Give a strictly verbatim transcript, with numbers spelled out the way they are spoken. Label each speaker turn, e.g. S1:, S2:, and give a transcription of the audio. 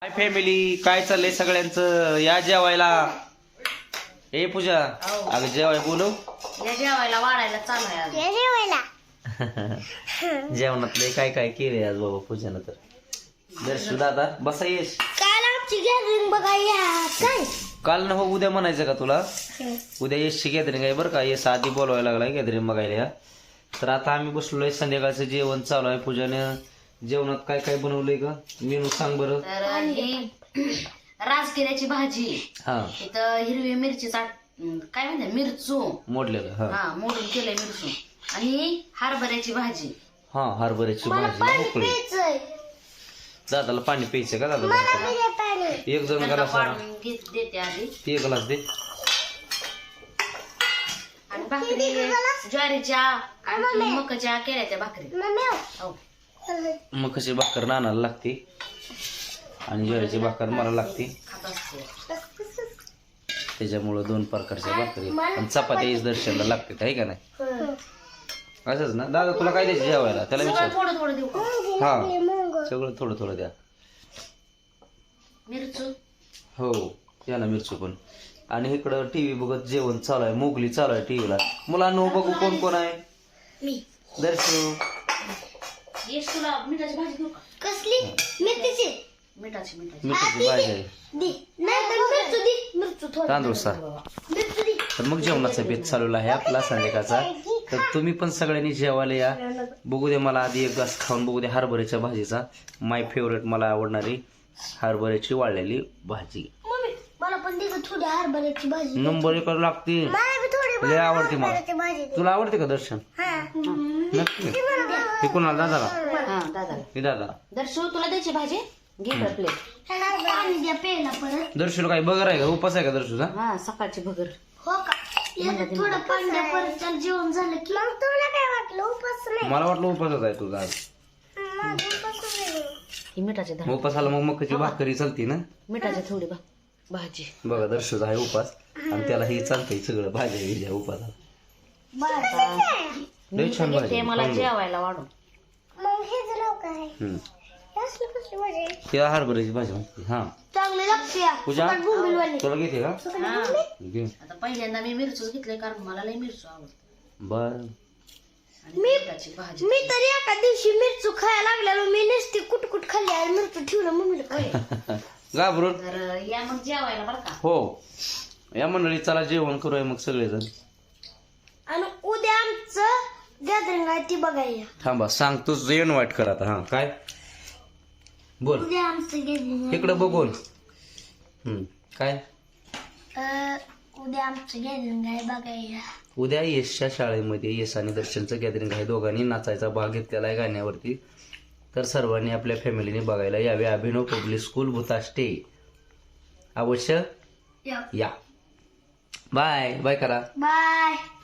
S1: Hi family, काय चाललंय सगळ्यांचं? या जेवायला. ए पूजा, अगं जेवाय बोलव.
S2: या जेवायला वाढायला चालू आहे आज. या जेवायला
S1: जेवणातले काय काय केले आज बाबा पूजानं? तर दर्शू दादा बसा. येश
S2: काल आमची गॅदरिंग बघायला काय
S1: काल ना हो, उद्या म्हणायचं का तुला? उद्या येसची गॅदरिंग आहे बरं का. येस आधी बोलवायला लागलाय गॅदरिंग बघायला या. तर आता आम्ही बसलोय, संध्याकाळचं जेवण चालू आहे. पूजाने जेवणात काय काय बनवलंय का? मेनू सांग बरं.
S2: तर ही राजगिऱ्याची भाजी,
S1: हा,
S2: इथं हिरवी मिरचीचा काय म्हणते मिरचू
S1: मोडलेलं. हा
S2: हा मोडून केलंय मिरचू, आणि हरभऱ्याची भाजी.
S1: हा, हरभऱ्याची भाजी मोकळी. दादाला पाणी प्यायचं का दादा? एक जण
S2: त्यांना
S1: गलास
S2: पाडून घेत देते आधी.
S1: ते ग्लास दे.
S2: आणि भाकरी ज्वारीच्या आणि मकाच्या केल्या त्या भाकरी. हो.
S1: मग कशी भाकर नानाला लागते आणि ज्वारीची भाकर मला लागते,
S2: खात असते.
S1: त्याच्यामुळं दोन प्रकारच्या भाकरी आणि चपाती दर्शनला लागते, आहे का नाही? असंच ना दादा? तुला काय द्यायचं जेवायला? त्याला विचार.
S2: सगळं थोडं थोडं देऊ का?
S1: हा, सगळं थोडं थोडं द्या.
S2: मिरचू
S1: हो, याला मिरची पण. आणि इकडं टीव्ही बघत जेवण चालू आहे. मोगली चालू आहे टीव्हीला. मुलांना बघू कोण कोण आहे.
S2: मी
S1: दर्शू
S2: येस. तुला मिठाची भाजी देऊ का? कसली? मेथीची. मिठाची मिठाची
S1: मिरची भाजी आहे. तांदूळ सा. तर मग जेवणाचा बेत चालू आहे आपला संध्याकाळचा. तर तुम्ही पण सगळ्यांनी जेवायला या. बघू दे मला आधी एक घास खाऊन बघू दे हरभऱ्याच्या भाजीचा. माय फेवरेट, मला आवडणारी हरभऱ्याची वाळलेली भाजी.
S2: मला पण दे थोडी हरभऱ्याची भाजी.
S1: नंबर एक लागते, लय आवडते मला. तुला आवडते का दर्शन? नक्की. हे कोणाला? दादाला?
S2: हा दादा.
S1: हे दादा.
S2: दर्शू तुला द्यायची भाजी? घे प्लेट. पाणी द्या प्यायला परत.
S1: दर्शूला काय बगर आहे का? उपास आहे का दर्शूचा?
S2: हा, सकाळची भगर. हो का? थोडं पाणी द्या परत. जेवण झालं की मग तुला काय वाटलं? उपास नाही.
S1: मला वाटलं उपासच आहे तुझा आज.
S2: ही मिठाची धार.
S1: उपासाला मग मकाची भाकरी चालते ना?
S2: मिठाची थोडी भा भाजी.
S1: बघा दर्शूचा आहे उपास आणि त्याला हे चालतंय सगळं भाज्या बिज्या उपासाला. लय छान
S2: मी
S1: भाजी.
S2: मला जेवायला वाढून.
S1: हम्म. त्या हरभऱ्याची भाजी म्हणते. हा,
S2: चांगली लागते.
S1: पूजा तुला घेते का? घे.
S2: आता पहिल्यांदा मी मिरचूच घेतले, कारण मला लय मिरचू आवडते.
S1: बर.
S2: मिरची भाजी.
S3: मी तरी एका दिवशी मिरचू खायला लागलेलो. मी नुसती कुटकुट खाल्ली आणि मिरचू ठेवलं मम्मीला.
S1: घाबरून.
S2: तर या मग जेवायला बरं का.
S1: हो, या मंडळी चला जेवण करूया मग सगळेजण.
S3: आणि उद्या आमचं गॅदरिंग आहे ती बघायला.
S1: थांबा सांगतोच, इन्व्हाइट कर आता. हा, काय बोल
S3: उद्या आमचं गॅदरिंग
S1: इकडं बघून. हम्म, काय?
S3: उद्या आमचं गॅदरिंग आहे बघायला.
S1: उद्या यशच्या शाळेमध्ये यश आणि दर्शनचं गॅदरिंग आहे. दोघांनी नाचायचा भाग घेतलेला आहे गाण्यावरती. तर सर्वांनी आपल्या फॅमिलीने बघायला यावे. Abhinav public school Bhutashte. अवश्य या. बाय बाय करा.
S3: बाय.